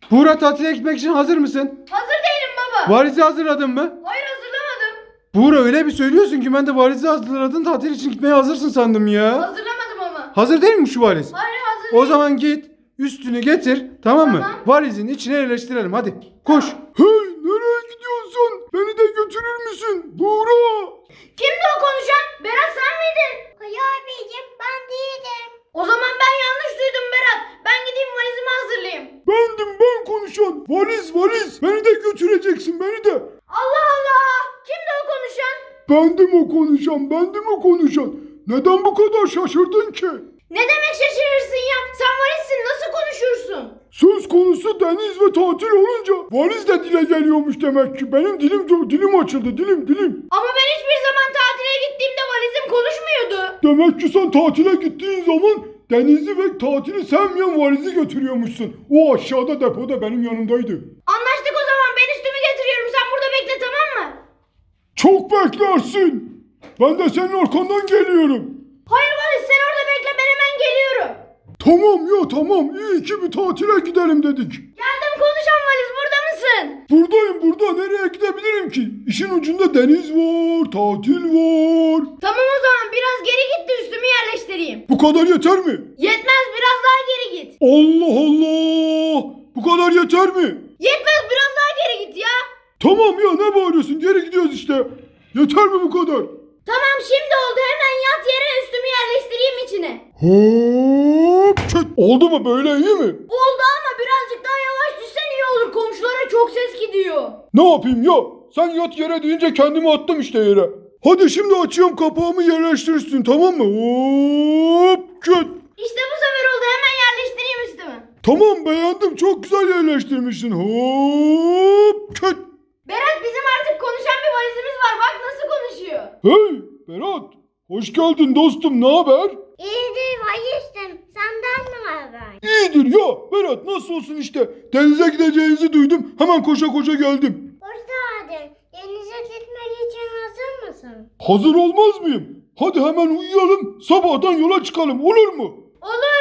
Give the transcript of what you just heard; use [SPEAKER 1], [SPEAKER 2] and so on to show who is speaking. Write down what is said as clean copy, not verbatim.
[SPEAKER 1] Buğra, tatile gitmek için hazır mısın?
[SPEAKER 2] Hazır değilim baba.
[SPEAKER 1] Valizi hazırladın mı?
[SPEAKER 2] Hayır, hazırlamadım.
[SPEAKER 1] Buğra, öyle bir söylüyorsun ki ben de valizi hazırladın, tatil için gitmeye hazırsın sandım ya.
[SPEAKER 2] Hazırlamadım ama.
[SPEAKER 1] Hazır değil mi şu valiz?
[SPEAKER 2] Hayır, hazır
[SPEAKER 1] O
[SPEAKER 2] değil.
[SPEAKER 1] zaman git üstünü getir, tamam mı?
[SPEAKER 2] Tamam.
[SPEAKER 1] Valizin içine yerleştirelim, hadi koş. Hey, nereye gidiyorsun? Beni de götürür müsün Buğra?
[SPEAKER 2] Kimdi o konuşan? Berat, sen miydin?
[SPEAKER 3] Hayır abicim, ben değilim.
[SPEAKER 2] O zaman ben yanlış duydum Berat. Ben gideyim valizimi hazırlayayım.
[SPEAKER 1] Bendim, ben konuşan. Valiz. Beni de götüreceksin, beni de.
[SPEAKER 2] Allah Allah. Kimdi o konuşan?
[SPEAKER 1] Bendim o konuşan. Neden bu kadar şaşırdın ki?
[SPEAKER 2] Ne demek şaşırırsın ya? Sen valizsin, nasıl konuşursun?
[SPEAKER 1] Söz konusu deniz ve tatil olunca valiz de dile geliyormuş demek ki. Benim dilim açıldı, dilim.
[SPEAKER 2] Ama ben hiçbir zaman tatile gittiğimde valizim konuşmuyordu.
[SPEAKER 1] Demek ki sen tatile gittiğin zaman denizi ve tatili sevmeyen valizi götürüyormuşsun. O aşağıda depoda benim yanımdaydı.
[SPEAKER 2] Anlaştık o zaman. Ben üstümü getiriyorum. Sen burada bekle, tamam mı?
[SPEAKER 1] Çok beklersin. Ben de senin arkandan geliyorum.
[SPEAKER 2] Hayır valiz, sen orada bekle, ben hemen geliyorum.
[SPEAKER 1] Tamam. İyi ki bir tatile gidelim dedik.
[SPEAKER 2] Geldim konuşan valiz, burada mısın?
[SPEAKER 1] Buradayım. Nereye gidebilirim ki? İşin ucunda deniz var, tatil var.
[SPEAKER 2] Tamam o zaman, biraz geri git de üstümü yerleştireyim.
[SPEAKER 1] Bu kadar yeter mi?
[SPEAKER 2] Yetmez, biraz daha geri git.
[SPEAKER 1] Allah! Bu kadar yeter mi?
[SPEAKER 2] Yetmez, biraz daha geri git ya.
[SPEAKER 1] Tamam ya, ne bağırıyorsun? Geri gidiyoruz işte. Yeter mi bu kadar?
[SPEAKER 2] Tamam, şimdi oldu, hemen yat yere, üstümü yerleştireyim içine.
[SPEAKER 1] Hop! Çöt! Oldu mu, böyle iyi mi?
[SPEAKER 2] Oldu ama birazcık daha yavaş düşsen iyi olur, komşulara çok ses gidiyor.
[SPEAKER 1] Ne yapayım ya? Sen yat yere deyince kendimi attım işte yere. Hadi şimdi açıyorum kapağımı, yerleştirirsin, tamam mı? Hop! Çöt!
[SPEAKER 2] İşte bu sefer oldu, hemen yerleştireyim üstümü.
[SPEAKER 1] Tamam, beğendim, çok güzel yerleştirmişsin. Hop! Çöt!
[SPEAKER 2] Berat, bizim artık konuşan bir valizimiz var, bak nasıl konuşuyor.
[SPEAKER 1] Hey Berat! Hoş geldin dostum, ne haber?
[SPEAKER 3] İyidir valizim, senden ne haber?
[SPEAKER 1] İyidir ya Berat, nasıl olsun işte. Denize gideceğinizi duydum, hemen koşa geldim.
[SPEAKER 3] Hadi, denize gitmek için hazır mısın?
[SPEAKER 1] Hazır olmaz mıyım? Hadi hemen uyuyalım, sabahtan yola çıkalım, olur mu?
[SPEAKER 2] Olur.